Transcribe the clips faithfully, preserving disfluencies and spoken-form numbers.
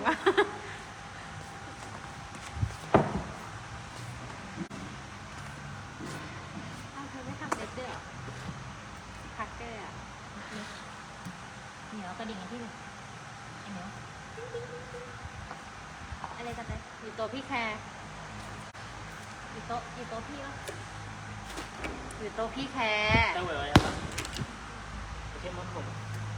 วะอ้าวเธอไม่ทำเล็บด้วยเหรอพักเกอร์อ่ะเหนียวกระดิ่งกันที่เลยไอ้เหนียวอะไรกันเลยอยู่โต๊ะพี่แคร์อยู่โต๊ะอยู่โต๊ะพี่วะอยู่โต๊ะพี่แคร์ตั้งไว้ไว้ครับโอเคมันผม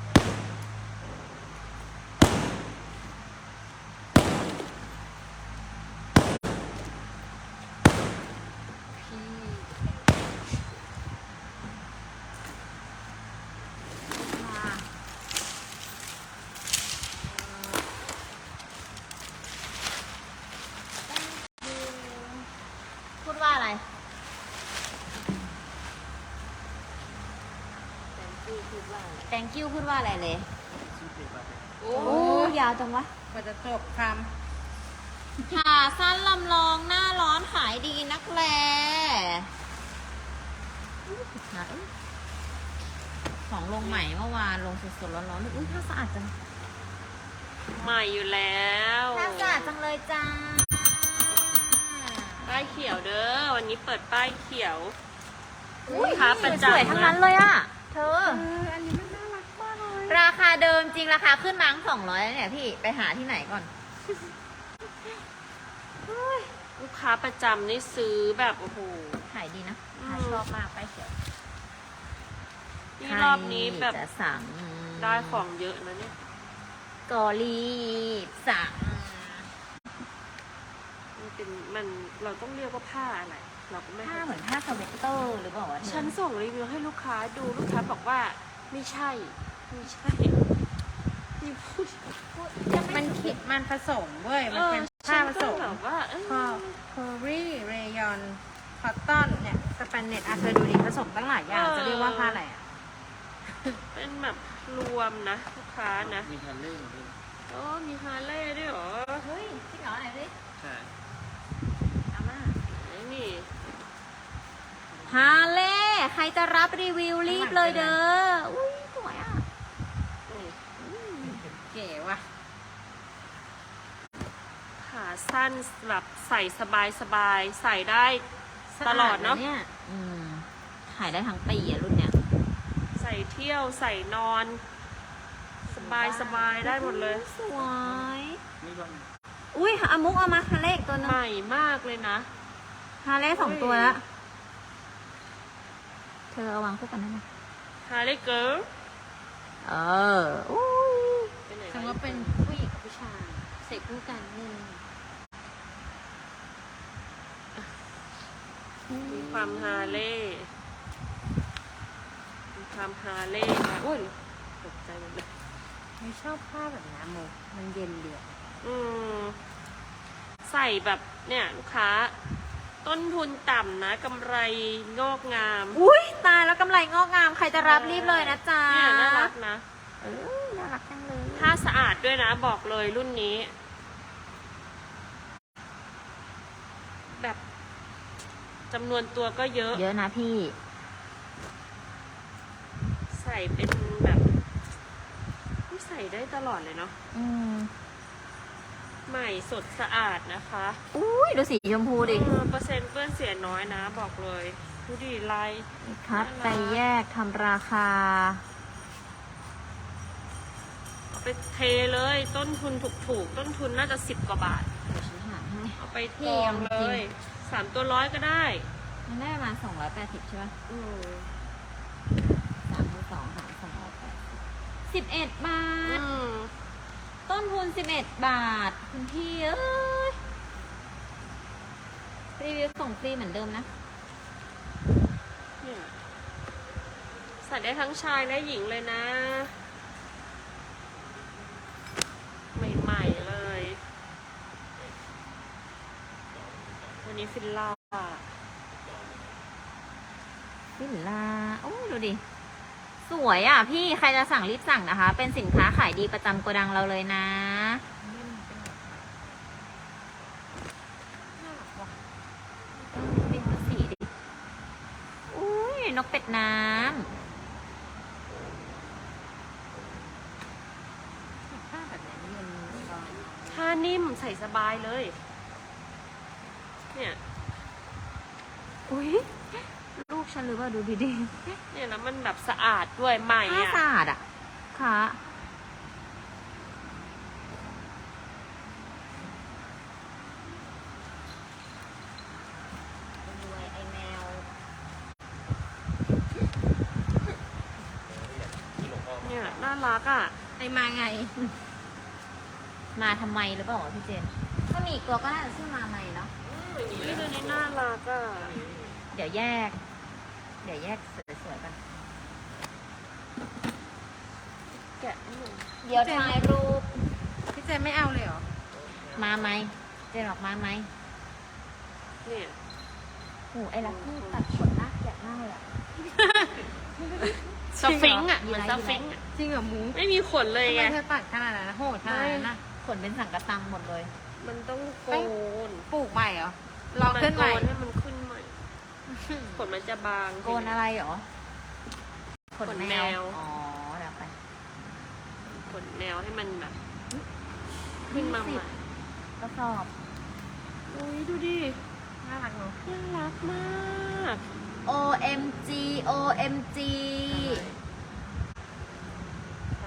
พูดว่าอะไร thank you พูดว่าอะไรเลยชื่อเพลงว่าอะไรโอ้ยาวจังวะกว่าจะจบคขาสั้นลำลองหน้าร้อนขายดีนักแลนะเอ้ยของลงใหม่เมื่อวานลงสดๆร้อนๆเลยอุ้ยผ้าสะอาดจังใหม่อยู่แล้วผ้าสะอาดจังเลยจ้าป้ายเขียวเด้อวันนี้เปิดป้ายเขียวอุ้ยค้าประจำสวยๆทั้งนั้นเลยอ่ะ เธอำเอออันนี้มันน่ารักมากเลยราคาเดิมจริงราคาขึ้นมาสองร้อยแล้วเนี่ยพี่ไปหาที่ไหนก่อนลูกค้าประจำนี่ซื้อแบบโอ้โหขายดีนะอืมขายชอบมากไปเขียวนี่รอบนี้แบบใครจะสั่งได้ของเยอะนะเนี่ยกอรีบสั่งมันเป็นมันเราต้องเรียกว่าผ้าอะไร เราก็ไม่ผ้าเข้าเหมือนผ้าสเวตเตอร์หรือเปล่าวะเธอฉันส่งรีวิวให้ลูกค้าดูลูกค้าบอกว่าไม่ใช่ไม่ใช่นี่พูดมันคิดมันผสมเว้ยเอมันอเป็นฉัผ้าน ผก็สมแบบว่าเออพอโครีเรยอนคอตตอนเนี่ยสแปนเน็ตอ่ะเธอดูดิผสมตั้งหลายอย่างจะเรียกว่าผ้าอะไรอ่ะเป็นแบบรวมนะลูกค้านะมีฮันเล่ด้วยโอ้มีฮาร์เลย์ด้วยเหรอเฮ้ยจริงเหรอไหนดิใช่เอามาไอ้นี่ฮาเล่ใครจะรับรีวิวรีบเลยเด้อ อุ้ยสวยอ่ะเก๋ว่ะขาสั้นแบบใส่สบายสบายๆใส่ได้ตลอดเนาะสะอาเนี่ยอืมขายได้ทั้งปีอ่ะรุ่นเนี้ยใส่เที่ยวใส่นอน สบายสบายๆได้หมดเลยสวยไม่บ้างอุ้ยอามุกเอามาฮาเล่อีกตัวหนึใหงม่มากเลยนะฮาเล่สองตัวแล้ว เธอเอาวางคู่กันได้ไหมฮาร์เลย์เกิร์ลเอออุ้ยไปไหนสมมติว่าเป็นผู้หญิงกับผู้ชายใส่คู่กันอืมมีความฮาร์เลย์มีความฮาร์เลย์นะอุ้ยตกใจหมดเลยไม่ชอบผ้าแบบนี้โมมันเย็นเดียวอืมใส่แบบเนี่ยลูกค้า ต้นทุนต่ำนะกำไรงอกงามอุ้ยตายแล้วกำไรงอกงาม ใครจะรับรีบเลยนะจ๊ะเนี่ยน่ารักนะเออน่ารักจังเลยผ้าสะอาดด้วยนะบอกเลยรุ่นนี้ แบบจำนวนตัวก็เยอะเยอะนะพี่ใส่เป็นแบบใส่ได้ตลอดเลยเนาะอืมใหม่สดสะอาดนะคะอุ้ยดูสีชมพูดิเออเปอร์เซ็นต์เปื้อนเสียน้อยนะ บอกเลยดูดิลายคัดไปแยกทำราคาเอาไปเทเลยต้นทุนถูกๆต้นทุนน่าจะสิบกว่าบาทเดี๋ยวฉันหาให้เอาไปกองเลยสามตัวร้อยก็ได้มันได้ประมาณสองร้อยแปดสิบใช่ปะอืมสามพันสองหารสองร้อยแปดสิบเอ็ดบาอืทมต้นทุนสิบเอ็ดบาท คุณพี่เอ้ย รีวิวส่งฟรีเหมือนเดิมนะเนี่ยใส่ได้ทั้งชายและหญิงเลยนะ ใหม่ๆเลย วันนี้ฟิลล่าวิลลาโอ้ดูดิ สวยอ่ะพี่ใครจะสั่งรีบสั่งนะคะ เป็นสินค้าขายดีประจำโกดังเราเลยนะเออเป็นสีดิอุ้ยนกเป็ดน้ผ้าแบบนี้เย็นร้อนใช่นิ่มใส่สบายเลย เนี่ยอุ้ยลูกฉันหรือเปล่าดูดีเนี่ยแล้วมันแบบสะอาดด้วยใหม่ๆผ้าอ่ะสะอาดอ่ะค่ะรวยไอแมวเนี่ยน่ารักอ่ะไอมาไงมาทำไมหรือเปล่าวะพี่เจน ถ้ามีอีกตัวก็น่าจะชื่อมาไหมเนาะนี่ตัวนี้น่ารักอ่ะเดี๋ยวแยก เดี๋ยวแยกสวยๆกันแกะให้หน่อยเดี๋ยวถ่ายรูปพี่เจนไม่เอาเลยเหรอมาไหม เจนออกมาไหมเนี่ยโอ้ไอ้ลักที่ตัดขนหน้าแกะหน้าเลยอะสฟิงค์อ่ะจริเหงเหรอมือนสฟิงค์อ่ะจริงเหรอหมูไม่มีขนเลยทำไมไงเธอตัดขนาดนั้นนะโหดขนาดนั้นนะขนเป็นสังกะตังหมดเลยมันต้องโกนปลูกใหม่เหรอลองขึ้นใหม่โกนให้มันขึ้นใหม่ ขนมันจะบางโกนอะไรเหรอ ขนขนแมแมววอ๋อเดี๋ยวไปขนแนวให้มันแบบ ขึ้นมาใหม่ก็สอบอุ้ยดูดิน่ารักเนอะน่ารักมากโอ เอ็ม จี โอ เอ็ม จีใช่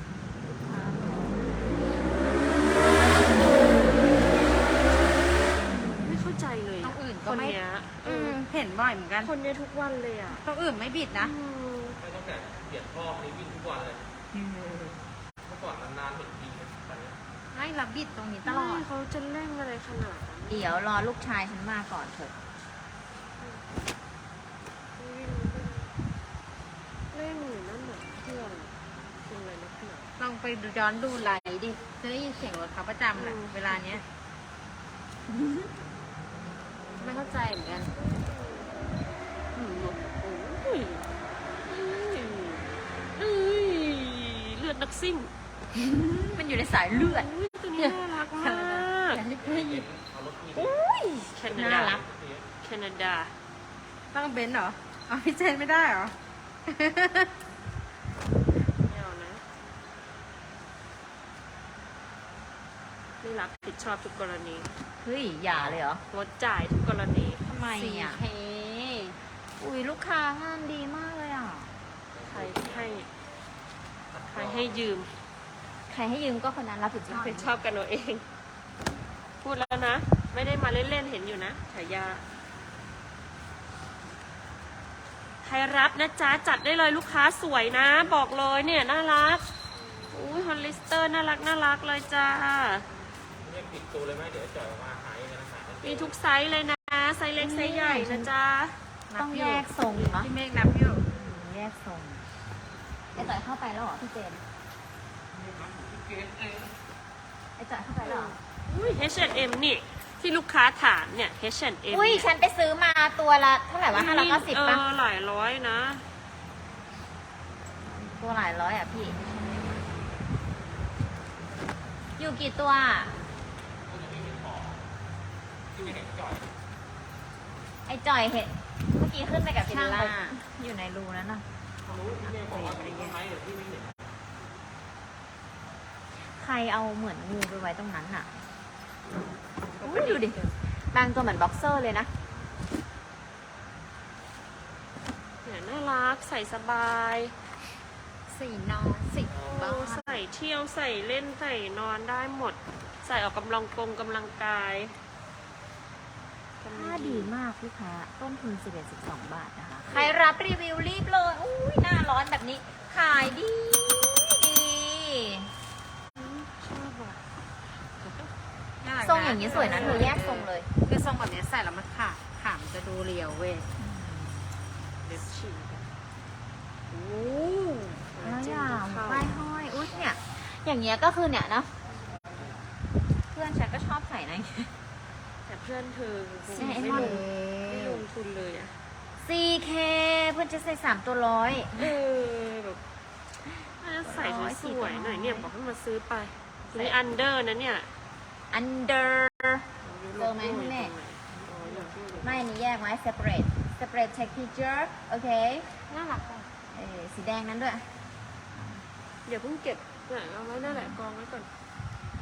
ไม่เข้าใจเลยต้องอื่นคก็นไม่เนี้ยอืมเห็นบ่อยเหมือนกันคนเนี้ยทุกวันเลยอ่ะต้องอื่นไม่บิดนะอืมไม่ต้องแบบเปลี่ยนรอบนี้วิ่งทุกวันเลย เมื่อก่อนนานๆเห็นทีตอนนี้ไม่รับบิดตรงนี้ตลอดไม่เขาจะเล่นอะไรขนาดนั้นเดี๋ยวรอลูกชายฉันมาก่อนเถอะเล่นอยู่นั่นน่ะเพื่อนเป็นอะไรนักหนาลองไปดูย้อนดูไลน์ดิ จะได้ยินเสียงรถเขาประจำแหละอืมเวลาเนี้ย ไม่เข้าใจเหมือนกันอืมโอ้ยเอ้ยเลือดนักซิ่งมันอยู่ในสายเลือดอุ้ยตัวนี้น่ารักมากเอารถมีอุ้ยแคนาน่าดารักแคนาดาต้องเบนซ์เหรออ๋อพี่เจนไม่ได้เหรอไม่เอานะ ไม่รับผิดชอบทุกกรณีเฮ้ย อย่าเลยเหรองดจ่ายทุกกรณีทำไมอ่ะสี่เคอุ้ยลูกค้างานดีมากเลยอ่ะใครให้ ใครให้ยืมใครให้ยืมก็คนนั้นรับผิดชรัอบบ ผิดชอบกันเอาเอง พูดแล้วนะ ไม่ได้มาเล่นๆ เห็นอยู่นะฉายา ใครรับนะจ๊ะ จัดได้เลยลูกค้าสวยนะ บอกเลยเนี่ย น่ารัก อุ้ยฮอลลิสเตอร์น่ารักน่ารักเลยจ้าเรียกปิดตัวเลยไหมเดี๋ยวจ่อยออกมาหายกันนะหามีทุกไซส์เลยนะ ไซส์เล็กไซส์ใหญ่นะจ๊ะต้องแยกทรงเนาะพี่เมฆนับอยู่แยกทรงไอ้จ่อยเข้าไปแล้วเหรอพี่เจนไอ้จ่อยเข้าไปแล้วเหรออุ้ย เอช แอนด์ เอ็ม นี่ ที่ลูกค้าถามเนี่ย เอช แอนด์ เอ็มอุ้ยฉันไปซื้อมาตัวละเท่าไหร่วะห้าร้อยเก้าสิบเอป่ะอหลายร้อยนะตัวหลายร้อยอ่ะพี่ อยู่กี่ตัวอะที่ไม่เห็นจ่อยไอ้จ่อยเห็นเมื่อกี้ขึ้นไปกับช่างเบลล่าเขาอยู่ในรูนั้นน่ะรู้ที่ไม่บอกว่าเป็นต้นไม้เดี๋ยวที่ไม่เห็นใครเอาเหมือนงูไปไว้ตรงนั้นน่ะอุ้ยดูดิ บางตัวเหมือนบ็อกเซอร์เลยนะเนี่ยน่ารัก ใส่สบายสี่นอนสิบโอ้บ้างใส่เที่ยวใส่เล่นใส่นอนได้หมด ใส่ออกกำลังกงกำลังกายผ้าดีมากลูกค้า ต้นทุนสิบเอ็ดสิบสองบาทนะคะ ใครรับรีวิวรีบเลย อุ้ยหน้าร้อนแบบนี้ ขายดีดีชอบอ่ะน่รักะทรงอย่างนี้สวยนะเธอแยกทรงเลยคือทรงแบบนี้ใส่แล้วมันขาดขามนจะดูเรียวเว้ยเล็บฉีกอะโอ้แล้วอจิ้มย่างเข้าป้ายห้อย อุ้ยเนี่ย อย่างเงี้ยก็คือเนี่ยนะ เพื่อนฉันก็ชอบใส่นะแต่เพื่อนเธอคงใช่ไม่ไอ้ลมันงไม่ลงทุนเลยอ่ะซี เค เพื่อนจะใส่สามตัวร้อยเออแบบน่าจะใส่สวยๆหน่อยเนี่ยบอกให้มาซื้อไปนี่อันเดอร์นะเนี่ยอันเดอร์ เจอไหมคุณแม่อ๋ออยู่ที่ไหนไม่อันนี้แยกไว้ separate separate take picture โอเคน่ารักอ่ะเออสีแดงนั้นด้วยเดี๋ยวเพิ่งเก็บเนี่ยเอาไว้นั่นแหละกองไว้ก่อนไ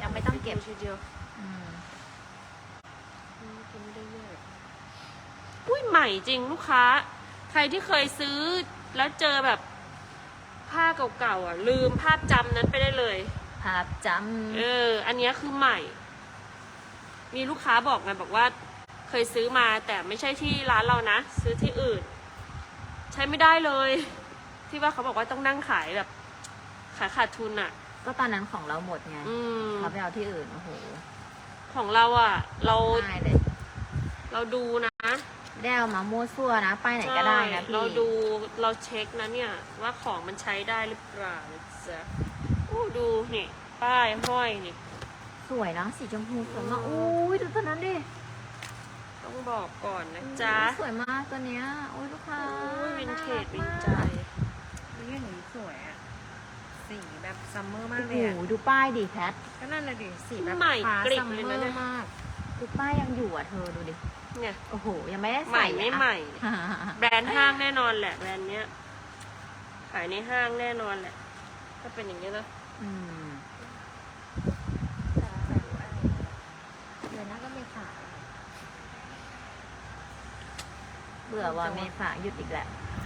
ยังไม่ต้องเก็บทีเดียวอืมอืมกินไม่ได้เยอะอุ้ยใหม่จริงลูกค้า ใครที่เคยซื้อแล้วเจอแบบผ้าเก่าๆอ่ะ ลืมภาพจำนั้นไปได้เลยภาพจเออ อันเนี้ยคือใหม่ มีลูกค้าบอกไงบอกว่า เคยซื้อมาแต่ไม่ใช่ที่ร้านเรานะ ซื้อที่อื่น ใช้ไม่ได้เลย ที่ว่าเขาบอกว่าต้องนั่งขายแบบ ขายขาดทุนอ่ะำก็ตอนนั้นของเราหมดไงอืมเขาไปเอาที่อื่น โอ้โหของเราอ่ะ เราง่ายเลยเราดูนะได้เอามามั่วซั่วนะ ไปไหนก็ได้นะใช่พี่เราดูเราเช็คนะเนี่ย ว่าของมันใช้ได้หรือเปล่านะจ๊ะอู้ดูนี่ ป้ายห้อยนี่สวยนะสีชมพูสวยมากอืมอุ้ยดูตัวนั้นดิต้องบอกก่อนนะจ๊ะอุ๊ยสวยมากตัวเนี้ยโอ้ยลูกค้าอุ้ยวินเทจวินใจนี่อย่างนี้สวยอะสีแบบซัมเมอร์มาโอ้กโหเลยอะดูป้ายดิแพทก็นั่นเลยดิสีแบบใหม่ฟ้ากริบซัมเลยเมอนะเนี่ยร์มากดูป้ายยังอยู่อ่ะเธอดูดิเนี่ยโอ้โห ยังไม่ได้ใหม่ใส่ไม่อะใหม่อ่ะแบรนด์ห้างแน่นอนแหละแบรนด์เนี้ย ขายในห้างแน่นอนแหละ ถ้าเป็นอย่างนี้ยนะอืมเดือนหน้าก็ไม่ขายเบื่อว่าเมษาหยุดอีกแล้ว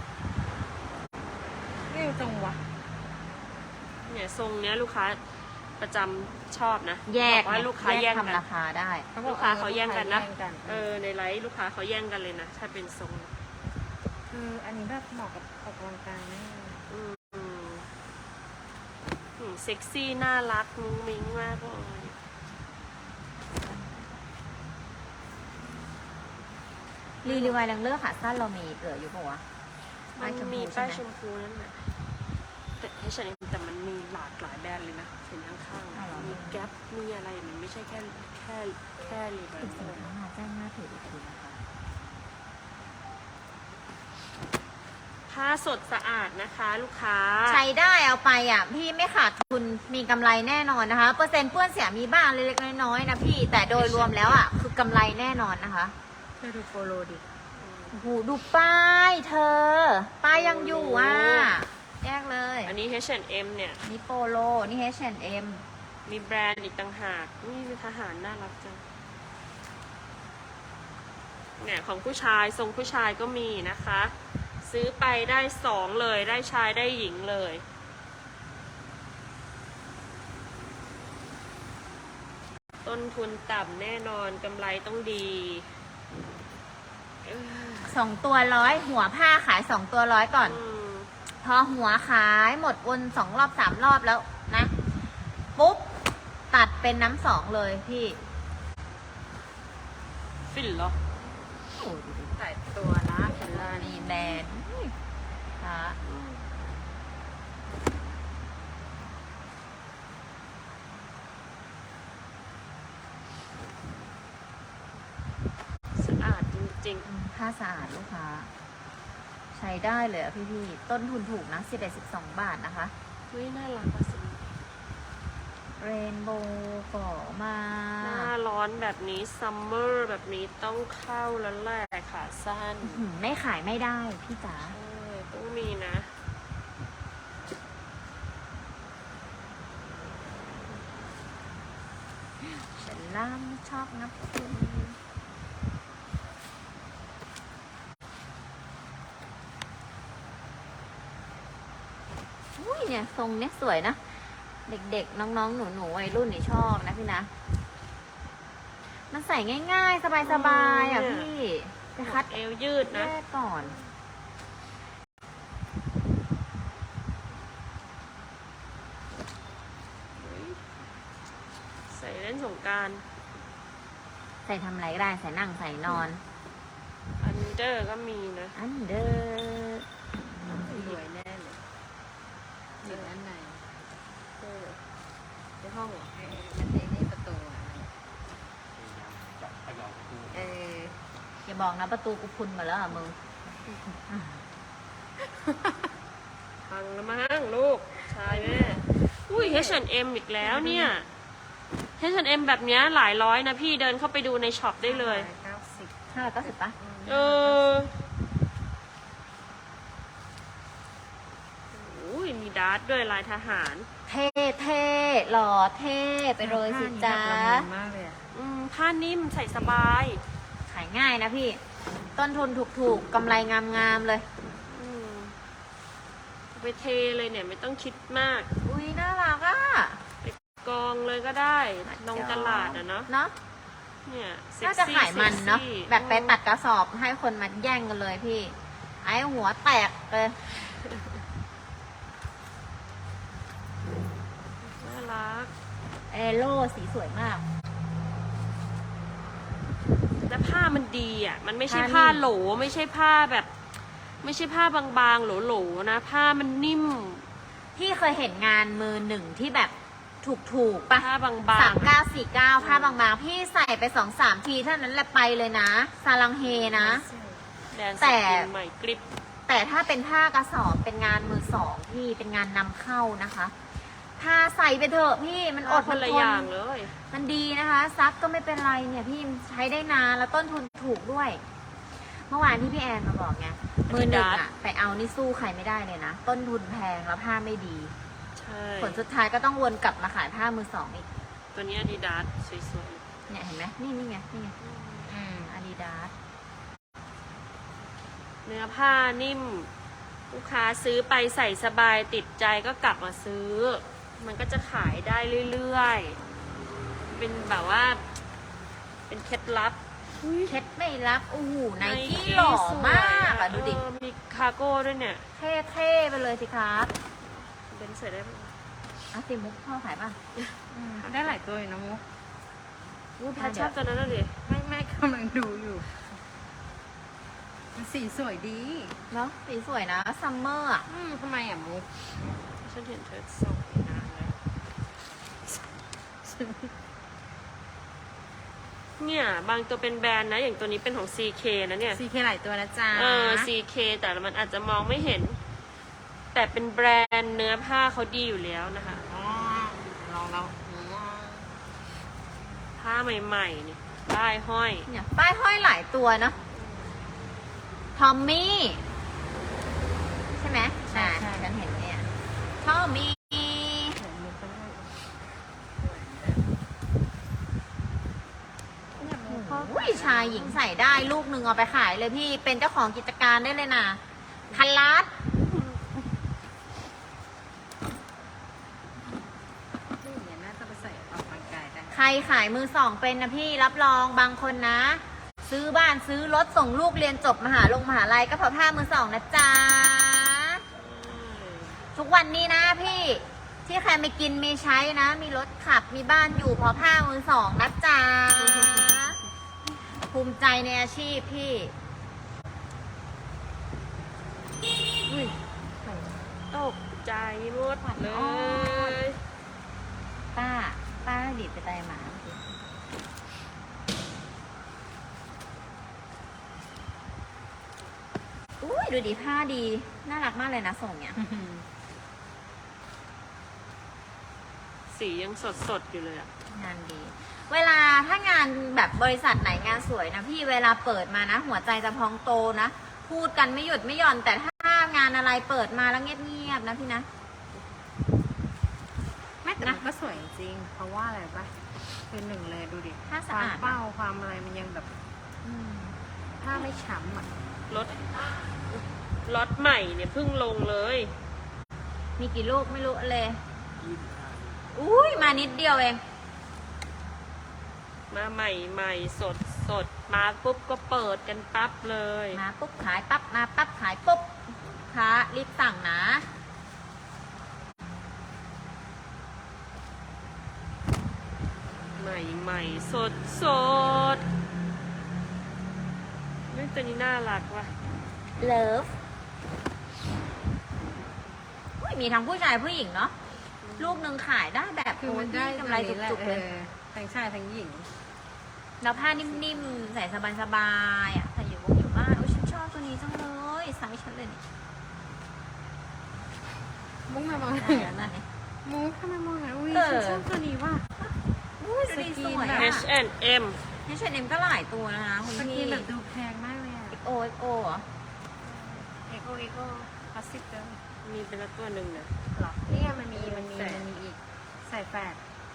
เร็วจังวะเนี่ยทรงเนี้ยลูกค้าประจำชอบนะแยกบอกว่าลูกค้าแย่งกันทำราคาได้ลูกค้าเขาแย่งกันนะลูค้าแย่งกันเออในไลฟ์ลูกค้าเขาแย่งกันเลยนะ ถ้าเป็นทรงคืออันนี้แบบเหมาะกับออกกำลังกายนะอืมอืมอืมเซ็กซี่น่ารักมุ้งมิ้งมากเลยรีรีวายแรงเลอร์ขาสั้นเรามีเหลืออยู่ปะวะมันป้ายชมพูมีใช่ป้ายไหมชมพูนั่นแหละแต่ เอช แอนด์ เอ็ม แต่มันมีหลากหลายแบรนด์เลยนะเห็นข้างอ้าวเหรอๆมีแก๊ปมีอะไรมันไม่ใช่แค่แค่แค่รีแบรติดนด์สินค้ามาแจ้งหน้าเพจอีกทีนะคะผ้าสดสะอาดนะคะ ลูกค้าใช้ได้เอาไปอ่ะ พี่ไม่ขาดทุนมีกำไรแน่นอนนะคะ เปอร์เซ็นต์เปื้อนเสียมีบ้างเล็กๆน้อยๆนะพี่แต่โดยรวมแล้วอ่ะ คือกำไรแน่นอนนะคะเธอดูโฟโลดิโอ้โหดูป้ายเธอ ป้ายยังอยู่อ่ะ แยกเลยอันนี้ เอช แอนด์ เอ็ม เนี่ยนี่โปโลนี่ เอช แอนด์ เอ็มมีแบรนด์อีกต่างหากนี่มีทหารน่ารักจังเนี่ยของผู้ชายทรงผู้ชายก็มีนะคะ ซื้อไปได้สองเลยได้ชายได้หญิงเลย ต้นทุนต่ำแน่นอนกำไรต้องดีเอ้อสองตัวร้อยหัวผ้าขายสองตัวร้อยก่อนอืมพอหัวขายหมดวนสองรอบสามรอบแล้วนะ ปุ๊บ ตัดเป็นน้ำสองเลยพี่ฟินเหรอโอ้ดูดิใส่ตัวนะเห็นเลยนี่แบรนด์อุ้ยค่ะสะอาดจริงอืมผ้าสะอาดลูกค้า ใช้ได้เลยอะพี่พี่ๆต้นทุนถูกนะสิบเอ็ดสิบสองบาทนะคะๆเฮ้ยน่ารักอะสิเรนโบว์ก่อมาหน้าร้อนแบบนี้ซัมเมอร์แบบนี้ต้องเข้าแล้วแหละขาสั้นอื้อหือไม่ขายไม่ได้พี่จ๋าเออต้องมีนะฉันล่ามชอบนับคุณอุ้ยเนี่ยทรงเนี้ยสวยนะ เด็กๆ น้องๆ หนูๆวัยรุ่นนี่ชอบนะพี่นะ มันใส่ง่ายๆ สบายๆอ่ะอืมพี่จะคัดเอวยืดแยนะกก่อนใส่เล่นสงกรารใส่ทำอะไรก็ได้ ใส่นั่งใส่นอนอันเดอร์ก็มีนะอันเดอร์สวยแน่เลยอยู่ด้านในเออในห้องเหรอเออมันเป็นนี่ประตูอะจับขยำดูเอออย่าบอกนะประตูกูพุนมาแล้วอ่ะมึงพังแล้วมั้งลูก ชายแม่ อุ้ย เอช แอนด์ เอ็ม อีกแล้วเนี่ย เอช แอนด์ เอ็ม แบบเนี้ยหลายร้อยนะพี่เดินเข้าไปดูในช็อปได้เลยเก้าสิบห้าร้อยเก้าสิบปะเอออุ้ยมีดาร์ทด้วยลายทหารเท่เท่หล่อเท่ไปเลยสิจ้าผ้านี่แบบละมุนมากเลยอะอืมผ้านิ่มใส่สบายขายง่ายนะพี่ ต้นทุนถูกๆกำไรงามๆเลยอืมเอาไปเทเลยเนี่ยไม่ต้องคิดมากอุ้ยน่ารักอ่ะไปกองเลยก็ได้ลงตลาดอะเนาะเนาะเนี่ยเซ็กน่าจะซี่ขายมันเนาะซ็กซี่แบบไปตัดกระสอบให้คนมาแย่งกันเลยพี่ ไอ้หัวแตกเลยน่ารักเอโล่สีสวยมากและผ้ามันดีอ่ะ มันไม่ใช่ผ้าผ้านิ่มโหลไม่ใช่ผ้าแบบ ไม่ใช่ผ้าบางๆโหลๆนะ ผ้ามันนิ่มพี่เคยเห็นงานมือหนึ่งที่แบบถูกๆปะผ้าบางสามๆเก้าสี่เก้าผ้าบางๆ พี่ใส่ไปสองสามทีเท่านั้นแหละไปเลยนะ ซาลังเฮนะแดนสแต่กินใหม่กริบแต่ถ้าเป็นผ้ากระสอบเป็นงานมือสองพี่เป็นงานนำเข้านะคะผ้าใส่ไปเถอะพี่มันอดคนละทอย่างเลยมันดีนะคะ ซักก็ไม่เป็นไรเนี่ยพี่ใช้ได้นานแล้วต้นทุนถูกด้วย เมื่อวานที่พี่แอนมาบอกไงมือหนึ่งอะไปเอานี่สู้ใครไม่ได้เลยนะ ต้นทุนแพงแล้วผ้าไม่ดีใช่ผลสุดท้ายก็ต้องวนกลับมาขายผ้ามือสองอีกตัวนี้อาดิดาสสวยเนี่ยเห็นไหมนี่นี่ไงนี่ไงอืมอาดิดาสๆเนื้อผ้านิ่ม ลูกค้าซื้อไปใส่สบายติดใจก็กลับมาซื้อ มันก็จะขายได้เรื่อยๆ เป็นแบบว่า เป็นเคล็ดลับเคล็ดไม่รับอู้หูไนกี้ Nike หล่อสวยมากอะดูดิเออมีคาร์โก้ด้วยเนี่ยเท่ๆไปเลยสิครับเบนใส่ได้ไหมอ่ะสิมุกพ่อขายป่ะอืมได้หลายตัวอยู่นะมุกวูแพทชอบตัวนั้นน่ะดิไม่ไม่กำลังดูอยู่มันสีสวยดีเนาะสีสวยนะซัมเมอร์อะอืมทำไมอ่ะมุกฉันเห็นเธอส่งไปนานแล้วเนี่ย บางตัวเป็นแบรนด์นะ อย่างตัวนี้เป็นของ ซี เค นะเนี่ยซีเคหลายตัวนะจ๊ะเออ ซี เค แต่มันอาจจะมองไม่เห็น แต่เป็นแบรนด์เนื้อผ้าเขาดีอยู่แล้วนะคะอ๋อลองแล้วอืมผ้าใหม่ๆนี่ป้ายห้อยเนี่ยป้ายห้อยหลายตัวเนาะทอมมี่ใช่ไหมอ่าฉันเห็นเนี่ยทอมมี่เห็นมุกก็ได้เนี่ยมุกเขาอุ้ยชายหญิงใส่ได้ลูกหนึ่งเอาไปขายเลยพี่เป็นเจ้าของกิจการได้เลยนะพันล้านที่อย่างเงี้ยน่าจะไปใส่ออกกำลังกายได้ใครขายมือสองเป็นนะพี่รับรองบางคนนะ ซื้อบ้านซื้อรถส่งลูกเรียนจบมหาลงมหาลัยก็เพราะผ้ามือสองนะจ๊ะทุกวันนี้นะพี่ที่ใครไม่กินไม่ใช้นะ มีรถขับมีบ้านอยู่เพราะผ้ามือสองนะจ๊ะภูมิใจในอาชีพพี่อุ้ยตกใจหมดเลยป้าป้าดีดไปไตหมาอุ้ยดูดิผ้าดีน่ารักมากเลยนะส่งเนี่ยสียังสดๆอยู่เลยอะงานดี เวลาถ้างานแบบบริษัทไหนงานสวยนะพี่เวลาเปิดมานะ หัวใจจะพองโตนะ พูดกันไม่หยุดไม่หย่อน แต่ถ้างานอะไรเปิดมาแล้วเงียบๆนะพี่นะไม่แต่มันก็สวยจริงๆเพราะว่าอะไรปะคือหนึ่งเลยดูดิผ้าคสะวามอาดเป้าความอะไรมันยังแบบอืมผ้าไม่ช้ำอ่ะรถรถใหม่เนี่ยเพิ่งลงเลยมีกี่ลูกไม่รู้เลย อุ้ยมานิดเดียวเองมาใหม่ใหม่สดสดมาปุ๊บก็เปิดกันปั๊บเลยมาปุ๊บขายปั๊บมาปั๊บขายปุ๊บค้ารีบสั่งนะใหม่ใหม่สดสดเรื่องตัวนี้น่ารักว่ะเลิฟอุ้ยมีทั้งผู้ชายผู้หญิงเนาะลูกหนึ่งขายได้แบบคือมันโอ้ยได้กำไรจุกๆเลยออทั้งชายทั้งหญิงแล้วผ้านิ่มๆ ใส่สบายๆอ่ะใส่อยู่วงอยู่บ้านโอ้ยฉันชอบตัวนี้จังเลยไซส์ฉันเลยนี่มุกมามองได้แล้วนะเนี่ยมุกทำไมมองอ่ะอุ้ยเออฉันชอบตัวนี้ว่ะอุ้ยดูดีสวยแบบอ่ะ H and M นี่ชนเอ็มก็หลายตัวนะคะคุณสกิพี่นแบบดูแพงมากเลยอ่ะเอ็กโอเอ็กโอเหรอเอโกเอโกคลาสสิกเกินอมีเป็นละตัวหนึ่งนะหรอนี่ไงมันมีมันมีมันมีอีกใส่แฟด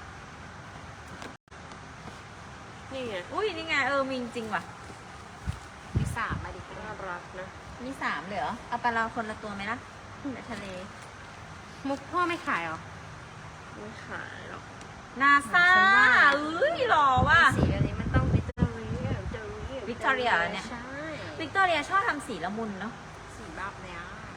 นี่ไงอุ้ยนี่ไงเออมีจริงว่ะมีสามมาดิน่ารักนะมีสามเลยเหรอเอาไปเราคนละตัวไหมล่ะในทะเลมุกพ่อไม่ขายเหรอไม่ขายหรอกนาซาฉันว่าเอ้ยหล่อว่ะสีแบบนี้มันต้องวิกตอเรียวิกตอเรียเหรอเนี่ยใช่วิกตอเรียชอบทำสีละมุนเนาะสีแบบเนี้ย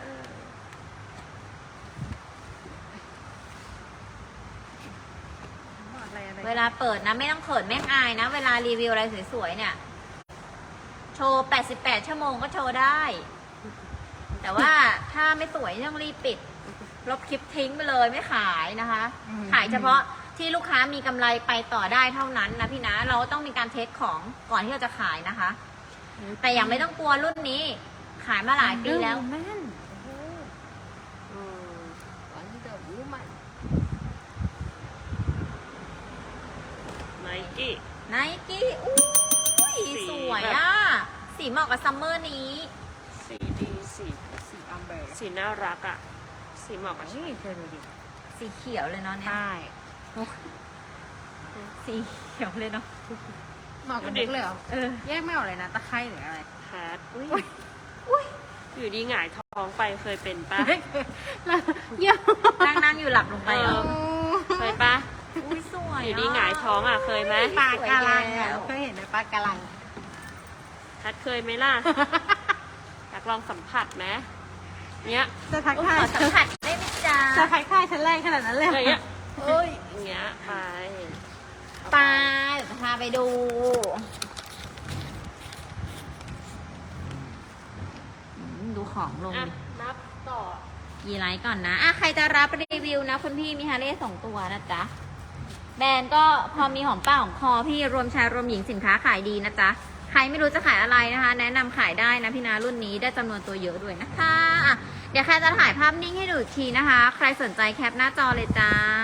อะไรอะไรเวลาเปิดนะไม่ต้องเขินแม่งอายนะ เวลารีวิวอะไรสวยๆเนี่ย โชว์แปดสิบแปดชั่วโมงก็โชว์ได้ แต่ว่าถ้าไม่สวยต้องรีบปิด ลบคลิปทิ้งไปเลยไม่ขายนะคะ ขายเฉพาะที่ลูกค้ามีกำไรไปต่อได้เท่านั้นนะพี่นะ เราต้องมีการเทสของก่อนที่เราจะขายนะคะ แต่ยังไม่ต้องกลัวรุ่นนี้ ขายมาหลายปีแล้วแม่นอืมวันเดอร์วูแมนไนกี้ไนกี้อุ้ยสีสวยแบบอ่ะ สีเหมาะกับซัมเมอร์นี้สีดีสีสีอัมเบอร์สีน่ารักอ่ะ สีเหมาะกับฉันนี่เธอดูดิสีเขียวเลยเนาะเนี่ยใช่สีเขียวเลยเนาะเหมาะกับมุกเลยเหรอเออแยกไม่ออกเลยนะตะไคร้หรืออะไรแพทอุ้ยอุ้ยอยู่ดีหงายท้องไปเคยเป็นปะแล้วเยอะนั่งนั่งอยู่หลับลงไปเหรอเอ เคยปะอุ้ยสวยอยู่ดีหงายท้องอ่ะเคยไหมปลากาลังอ่ะเคยเห็นไหมปลากาลังแพทเคยไหมล่ะ อยากลองสัมผัสไหมเนี้ยจะทักขทายอสัมผัสได้ไหมจ๊ะจะทักทายฉันแรงขนาดนั้นเลยอะไรเงี้ยเอ้ยอย่างเงี้ยไปไปเดี๋ยวจะพาไปดูอืมดูของลงอ่ะดินับต่อยีไลท์ก่อนนะอ่ะใครจะรับรีวิวนะคุณพี่มีฮาร์เลย์สองตัวนะจ๊ะ แบรนด์ก็พอมีหอมป้าหอมคอพี่รวมชายรวมหญิงสินค้าขายดีนะจ๊ะ ใครไม่รู้จะขายอะไรนะคะ แนะนำขายได้นะพี่นารุ่นนี้ได้จำนวนตัวเยอะด้วยนะคะอ่ะเดี๋ยวใครจะถ่ายภาพนิ่งให้ดูอีกทีนะคะ ใครสนใจแคปหน้าจอเลยจ้า